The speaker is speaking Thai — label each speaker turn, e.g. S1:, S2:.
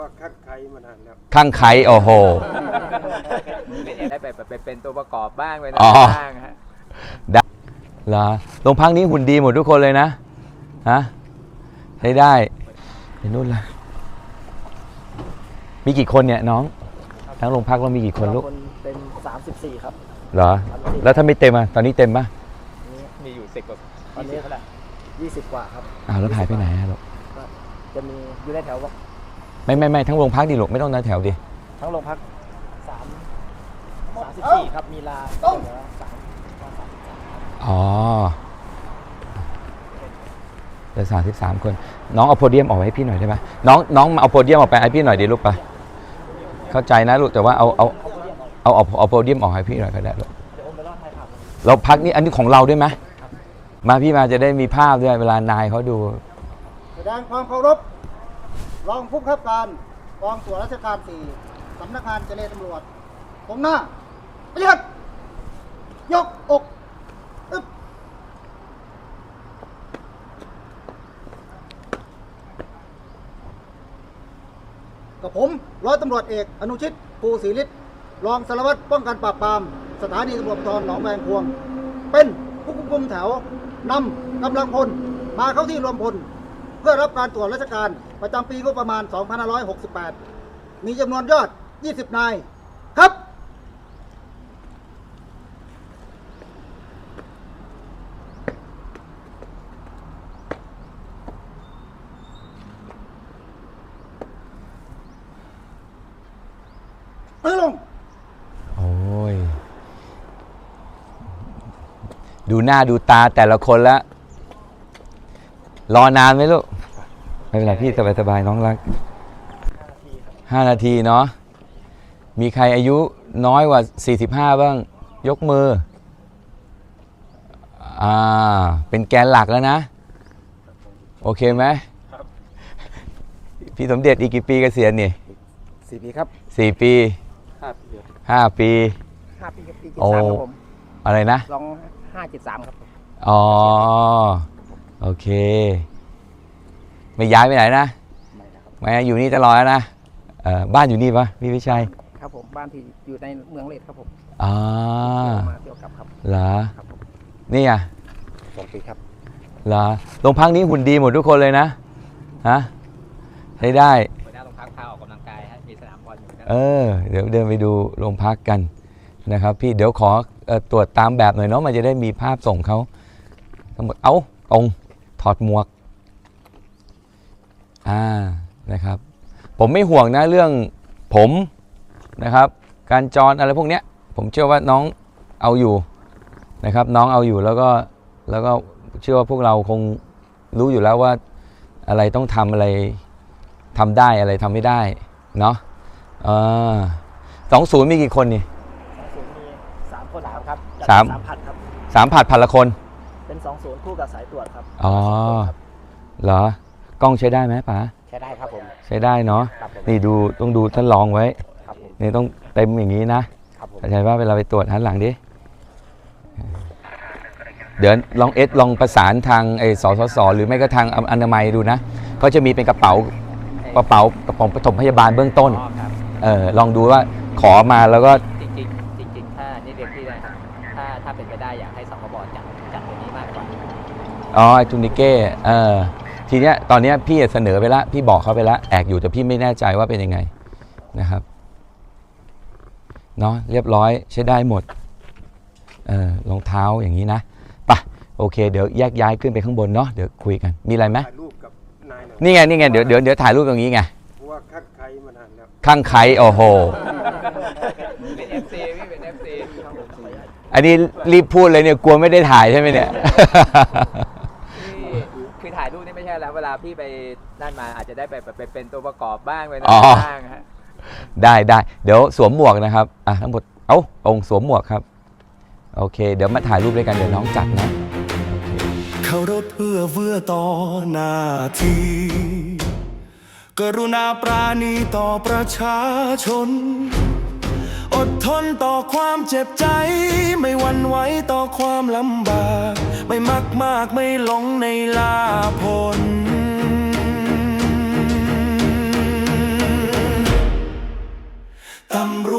S1: ข้างไคมานานแล้ว
S2: ข้างไคโอ้โห
S3: ได้ไปเป็นตัวประกอบบ้างไปบ้างฮะ
S2: ได้เหรอโรงพักนี้หุ่นดีหมดทุกคนเลยนะฮะใช้ได้เห็นนู่นละมีกี่คนเนี่ยน้องทั้งโรงพักเรามีกี่คนลูก
S4: เป็น34ครับ
S2: เหรอแล้วถ้าไม่เต็มอ่ะตอนนี้เต็มป่ะ
S3: มีอยู่10 กว่า
S4: ตอนนี้เท่าไหร่20 กว่าครับ
S2: แล้วหายไปไหนลูก
S4: จะมีอยู่ในแถว
S2: ไม่ทั้งโรงพักดิลูกไม่ต้องในแถวดิ
S4: ทั้งโรงพัก34ครับมีลา
S2: อ๋อเหลือ33 คนน้องเอาโพเดียมออกให้พี่หน่อยได้ไหมน้องเอาโพเดียมออกไปให้พี่หน่อยดิลูกไปเข้าใจนะลูกแต่ว่าเอาโพเดียมออกให้พี่หน่อยก็ได้ลูกเราพักนี่อันนี้ของเราด้วยไหมมาพี่มาจะได้มีภาพด้วยเวลานายเขาดู
S1: แสดงความเคารพรองผู้บังคับการกองตรวจราชการ4สำนักงานเจรตำรวจผมหน้าประหยัดยกอกกับผมร้อยตำรวจเอกอนุชิตภูศรีฤทธิ์รองสารวัตรป้องกันปราบปรามสถานีตำรวจภูธรหนองแวงพวงเป็นผู้ควบคุมแถวนำกำลังพลมาเข้าที่รวมพลเพื่อรับการตรวจราชการประจำปีงบประมาณ 2568 มีจำนวนยอด 20 นายครับลง
S2: โอ้ยดูหน้าดูตาแต่ละคนแล้วรอนานไหมลูกไม่เป็นไรพี่สบายๆน้องรัก5 นาทีเนาะมีใครอายุน้อยกว่า45บ้างยกมือเป็นแกนหลักแล้วนะโอเคไหมพี่สมเด็จอีกกี่ปีเกษียณนี่
S4: 4 ปีครับ
S2: 4 ปี5 ปี
S4: 5 ปีกับปี
S2: โอ้อะไรนะ
S4: 2573ครับ
S2: อ๋อโอเคไม่ย้ายไปไหนนะไม่อยู่นี่ตลอดนะบ้านอยู่นี่ปะพี่วิชัย
S4: ครับผมบ้านที่อยู่ในเมืองเลดครับผม
S2: มา
S4: เที่ยวกลับครับ
S2: เหรอนี่อ่ะ
S4: 2 ปีครับ
S2: เหรอโรงพักนี้หุ่นดีหมดทุกคนเลยนะฮะใช้ได้
S3: หัวหน้าโรงพักพาออกกำลังกายฮะมีสนามบอลอยู่นะ
S2: เดี๋ยวเดินไปดูโรงพักกันนะครับพี่เดี๋ยวขอตรวจตามแบบหน่อยเนาะมันจะได้มีภาพส่งเขาทั้งหมดตรงถอดหมวกนะครับผมไม่ห่วงนะเรื่องผมนะครับการจรอะไรพวกเนี้ยผมเชื่อว่าน้องเอาอยู่นะครับน้องเอาอยู่แล้วก็เชื่อว่าพวกเราคงรู้อยู่แล้วว่าอะไรต้องทำอะไรทำได้อะไรทำไม่ได้เนาะ20มีกี่คนนี่
S4: 20มี3 คนครับ
S2: 3
S4: ผัดครับ
S2: 3 ผัดละคน
S4: เป็น20คู่กับสายตรวจครับ
S2: เหรอกล้องใช้ได้ไหมป๋า
S4: ใช้ได้ครับผม
S2: ใช้ได้เนาะนี่ต้องดูท่านลองไว้นี่ต้องเต็มอย่างนี้นะเข้าใจว่าเวลาไปตรวจหันหลังดิเดี๋ยวลองประสานทางสสหรือไม่ก็ทางอนามัยดูนะก็จะมีเป็นกระเป๋าปฐมพยาบาลเบื้องต้นลองดูว่าขอมาแล้วก็
S3: จริงถ้านี่เรียนที่นะครับถ้าเป็นไปได้อยากให้สคบจัดตัวนี้มากกว่า
S2: ไอทูนิเก้ทีเนี้ยตอนเนี้ยพี่เสนอไปแล้วพี่บอกเขาไปแล้วแอกอยู่แต่พี่ไม่แน่ใจว่าเป็นยังไงนะครับเนาะเรียบร้อยใช้ได้หมดรองเท้าอย่างนี้นะป่ะโอเคเดี๋ยวแยกย้ายขึ้นไปข้างบนเนาะเดี๋ยวคุยกันมีอะไรไหมนี่ไงเดี๋ยวถ่ายรูปตรงนี้ไง
S1: ว่าข้างไคมานานแล้ว
S2: ข้างไคโอ้โห
S3: เป็น FC พี่เป็น FC
S2: อันนี้รีบพูดเลยเนี่ยกลัวไม่ได้ถ่ายใช่ไหมเนี่ย
S3: คือถ่ายรูปนี่ไม่ใช่แล้วเวลาพี่ไปนั่นมาอาจจะได้ไปเป็นตัวประกอบบ้างไปบ้างฮะ
S2: ได้เดี๋ยวสวมหมวกนะครับทั้งหมดองค์สวมหมวกครับโอเคเดี๋ยวมาถ่ายรูปด้วยกันเดี๋ยวน้องจัดนะ
S5: เคารพเพื่อต่อหน้าที่กรุณาปราณีต่อประชาชนอดทนต่อความเจ็บใจไม่หวั่นไหวต่อความลำบากไม่มักมากไม่หลงในลาภลำร